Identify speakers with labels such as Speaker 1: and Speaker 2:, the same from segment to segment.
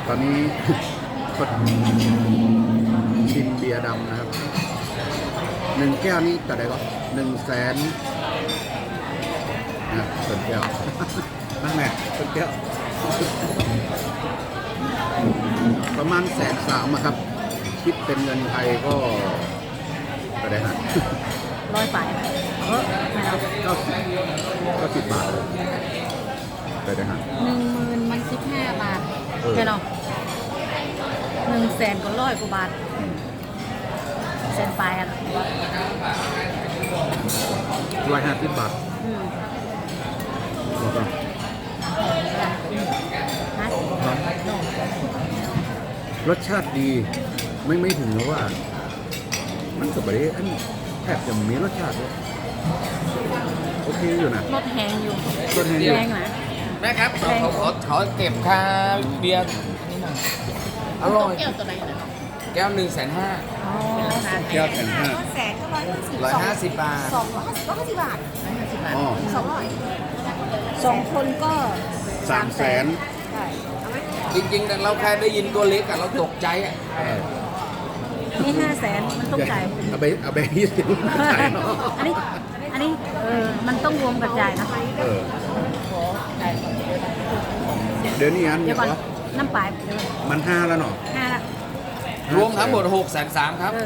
Speaker 1: ตอนนี้ก็ชิมเบียร์ดำนะครับ1 แก้วนี้แต่ใดก็100,000นะส่วนแก้ว นั่นแหละส่วนแก้ว ประมาณ130,000ครับ คิดเป็นเงินไทยก็ได้ฮะ
Speaker 2: 100 ไปไม่เอา
Speaker 1: 90 บาทเลยได้ฮะ
Speaker 2: 10,000มัน15 บาทใช่เนาะ100,000ก็100 กว่าบาทแสนไปอ่ะ
Speaker 1: 150 บาทแล้วก็รสชาติดีไม่ถึงนะว่า มันก็ไม่ได้อันแทบจะมีรสชาติเลยโอเคอยู่นะ
Speaker 2: รถแหงอยู่
Speaker 1: รสแห้งอยู่
Speaker 2: แรงนะ
Speaker 3: แม่ครับขอเก็บค่าเบียร์นี่หน่อยอร่อย
Speaker 2: แก้วตัวไหนนะ
Speaker 3: แก้ว150,000
Speaker 2: อ๋อ
Speaker 1: แก้ว150,000
Speaker 4: แสนก็
Speaker 3: 150 บาท
Speaker 4: 250 บาท
Speaker 1: อ๋อ
Speaker 4: 200
Speaker 2: 2 คนก็
Speaker 1: 300,000
Speaker 4: ใช่เอาไหม
Speaker 3: จริงๆเราแค่ได้ยินตัวเล็กอะเราตกใจอะ
Speaker 2: นี่500,000มันต้องจ่าย
Speaker 1: เอาไป20จ่ายเนาะ
Speaker 2: อันนี้มันต้องรวมกับจ่ายนะ
Speaker 1: เออเดี๋ยวนี้อัน
Speaker 2: เดี๋
Speaker 1: เนี่ย ยว
Speaker 2: ก่อน
Speaker 1: เหรอ
Speaker 2: น้ำปลายเดี๋ยว
Speaker 1: มัน5แล้วเนาะ
Speaker 2: 5ละ
Speaker 3: รวมทั้งหมด630,000ครับ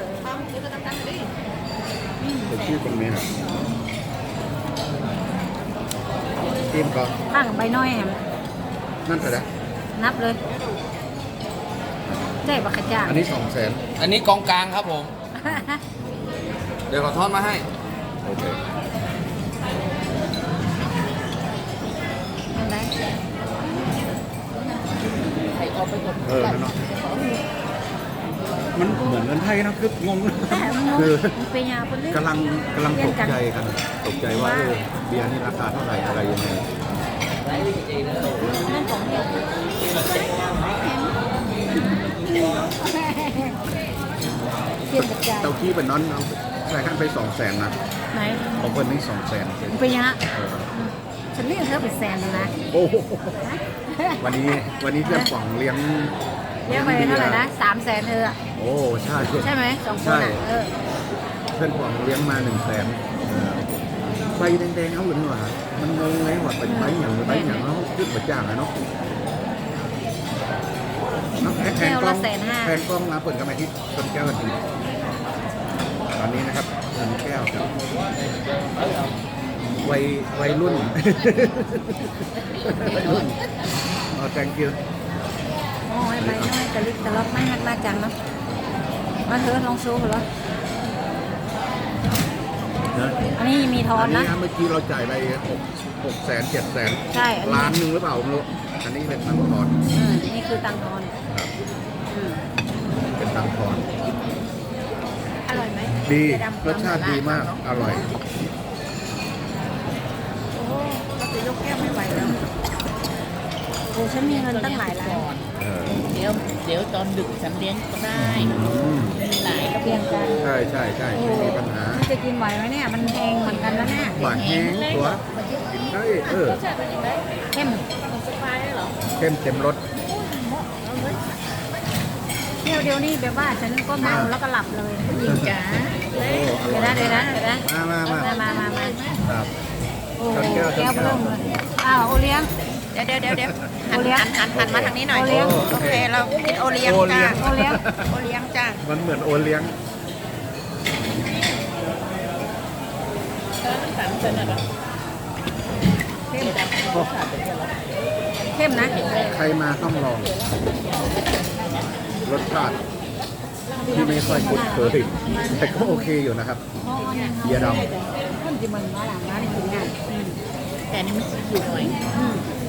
Speaker 1: เป็นชื่อคนนี้นะทีมก็
Speaker 2: ข้างใบน้อยแหม
Speaker 1: นั่นเท่าไหร่
Speaker 2: นับเลยได้บักขจ่าง
Speaker 1: อันนี้200,000
Speaker 3: อันนี้กองกลางครับผม เดี๋ยวขอทอนมาให้
Speaker 1: โอเค
Speaker 2: ยังไง
Speaker 1: เนาะมันเหมือนเงินไทยนะคืองง คือ
Speaker 2: เป็นยาคนเล่น
Speaker 1: กำลังตกใจกันตกใจว่าเบียร์นี่ราคาเท่าไหร่อะไรยังไง
Speaker 2: นั่นของเดียวเทียนกับจ่าย
Speaker 1: เตาขี้เป็นน้อนเอาใส่ขั้นไป200,000นะ
Speaker 2: ไหน
Speaker 1: ของคนนี้200,000
Speaker 2: เป็นยาฉันเรียกเธอเป็นแสนเลยนะ
Speaker 1: โอ้โหวันนี้เพื่อนป๋องเลี้ยง
Speaker 2: เรียกไปเท่าไหร่นะ300,000
Speaker 1: โอ้ใช่
Speaker 2: ใช่ไหม2 คนอ่ะ
Speaker 1: เพื่อนป๋องเลี้ยงมา100,000ใบแดงๆเอาหรือเปล่ามันงงไงว่าเป็นใบอย่างเขาขึ้นมาจ้างอะเนาะแทนกล้องมาเปิดกันมาที่ชนแก้วกันทีตอนนี้นะครับชนแก้วครับวัยรุ่นอ๋อ thank you
Speaker 2: โอ้ยใบน้อยแต่ลิกแต่ล็อกไม่หักมาจังเนาะมาเถอะลองโชว์เหรออันนี้มีทอนนะ
Speaker 1: เมื่อกี้เราจ่ายไป600,000 700,000
Speaker 2: ใช่
Speaker 1: ล้านหนึ่งหรือเปล่าไม่รู้อันนี้เป็นตังค์ทอน
Speaker 2: นี่คือตังทอน
Speaker 1: เป็นตังค์ทอน
Speaker 2: อร่อยไหม
Speaker 1: ดีรสชาติดีมากอร่อย
Speaker 2: โอ้ก็จะยกแก้วไม่ไหวแล้วโอ้ฉันมีเงินตั้งหลายล้าน
Speaker 5: เดี๋ยวตอนดึกฉันเลี้ยงก็ได้ มีหลาย
Speaker 2: เพียงกัน
Speaker 1: ใช่ไม่มีปัญหา
Speaker 2: มันจะกินไหวไหมเนี่ยมันแพงเหมือนกันแล้วเนี่ย
Speaker 1: หวานแห้งตัวกินได้
Speaker 2: เข้ม
Speaker 1: เข้มเต็มรส
Speaker 2: เที่ยวเดียวนี่แบบว่าฉันก็เมาแล้วก็หลับเลยผู้หญิงจ๋า
Speaker 1: โอ้อ
Speaker 2: เดี๋
Speaker 1: ร่
Speaker 2: ย
Speaker 1: อ
Speaker 2: วยนะเดี๋ยวนะ
Speaker 1: มา ครับ
Speaker 2: โอ้แก้วเริ่มเลยอ้าวโอเลี้ยง
Speaker 4: เดี๋ยว
Speaker 2: โอเลี้ยง
Speaker 4: หันมาทางนี้หน่อย
Speaker 2: โอเลี้ยง
Speaker 4: โอเค เรากินโอเลี้ยงจ้า
Speaker 2: โอเลี้ยง
Speaker 4: โอเลี้ยงจ้า
Speaker 1: มันเหมือนโอเลี้ยง
Speaker 2: เข้มนะ
Speaker 1: ใครมาต้องลองรสชาติที่ไม่ค่อยคุ้นเคยแต่ก็โอเคอยู่นะครับเบียร์ดำ
Speaker 2: คนที่มันมาหลังร้านกินงาน
Speaker 5: แต่อันนี่มันสีผิวหน่อย
Speaker 2: เ